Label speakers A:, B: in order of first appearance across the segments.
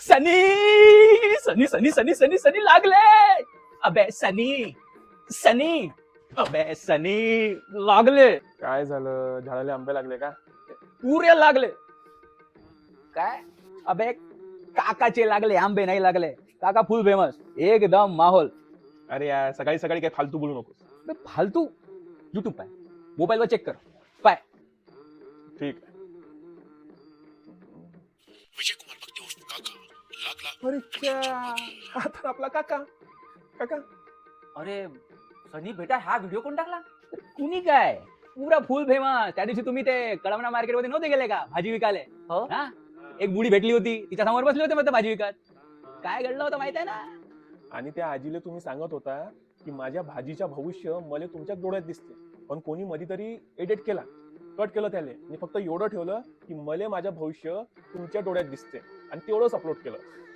A: सनी सनी सनी सनी सनी सनी लागले. अबे सनी सनी अबे सनी लागले.
B: काय झालं? झाडाला आंबे लागले का?
A: पुरे लागले. काय अबे काकाचे लागले, आंबे नाही लागले. काका फुल फेमस, एकदम माहोल.
B: अरे यार, सकाळी सकाळी काय फालतू बोलू नकोस.
A: बे फालतू. युट्यूब पाय, मोबाईलवर चेक कर. पाय.
B: ठीक आहे.
C: विजय कुमार भक्ती उर्फ काका लागला.
B: अरे क्या, हा तर आपला काका. काका
D: अरे सनी बेटा, हा व्हिडिओ कोण टाकला?
A: कुणी काय, पुरा फुल फेमस. त्या दिवशी तुम्ही ते कळमना मार्केट मध्ये नव्हते गेले का भाजी विकायला?
D: हो.
A: हा, एक बुडी भेटली होती, तिच्या समोर बसले होते मग भाजी विकत. काय घडलं होतं माहित आहे ना?
B: आणि त्या आजीला तुम्ही सांगत होता की माझ्या भाजीच्या भविष्य मला तुमच्या डोळ्यात दिसते, पण कोणी मधी तरी एडिट केला, कट केलं त्याने, आणि फक्त एवढं ठेवलं की मला माझ्या भविष्य तुमच्या डोळ्यात दिसते, आणि तेवढंच अपलोड केलं.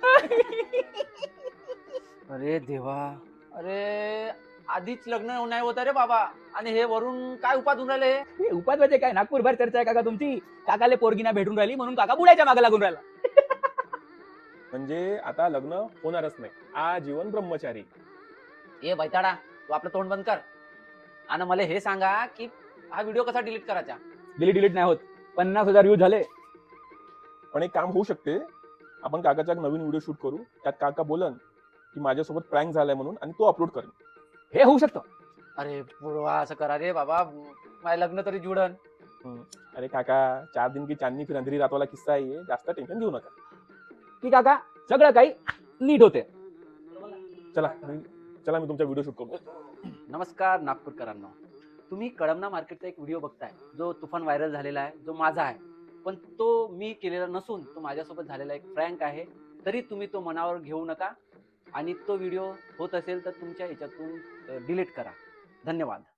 D: अरे देवा, अरे आधीच लग्न नाही होत रे बाबा, आणि हे वरून काय उपाधून राहिले?
A: हे उपाध्याय काय नागपूरभर चर्चा आहे काका तुमची. काकाले पोरगीना भेटून राहिली म्हणून काका बुडायच्या मागे लागून राहिला.
B: म्हणजे आता लग्न होणारच नाही, आजीवन ब्रह्मचारी.
D: ए बैताडा, तू आपलं तोंड बंद कर आणि मला हे सांगा की हा व्हिडिओ कसा डिलीट करायचा?
A: डिलीट नाही होत. 50,000 व्ह्यूज झाले.
B: पण एक काम होऊ शकते, आपण काकाचा एक नवीन व्हिडिओ शूट करू, त्यात काका बोलन की माझ्यासोबत प्रँक झालाय म्हणून, आणि तो अपलोड करेन.
A: हे होऊ शकतं.
D: अरे पूर्वा, असं करा रे बाबा, माझं लग्न तरी जुडन.
B: अरे काका, 4 दिन की चांदनी फिर अंधेरी रात वाला किस्सा आहे, जास्त टेन्शन घेऊ नका.
A: की काका सगळं काही नीट होते.
B: चला मी तुमचा व्हिडिओ शूट करतो.
D: नमस्कार नागपूरकरांनो, तुम्ही कळमना मार्केटचा एक व्हिडिओ बघताय जो तुफान व्हायरल झालेला आहे, जो माझा आहे, पण तो मी केलेला नसून तो माझ्यासोबत झालेला एक प्रँक आहे. तरी तुम्ही तो मनावर घेऊ नका, आणि तो व्हिडिओ होत असेल तर तुमच्या ह्याच्यातून डिलीट करा. धन्यवाद.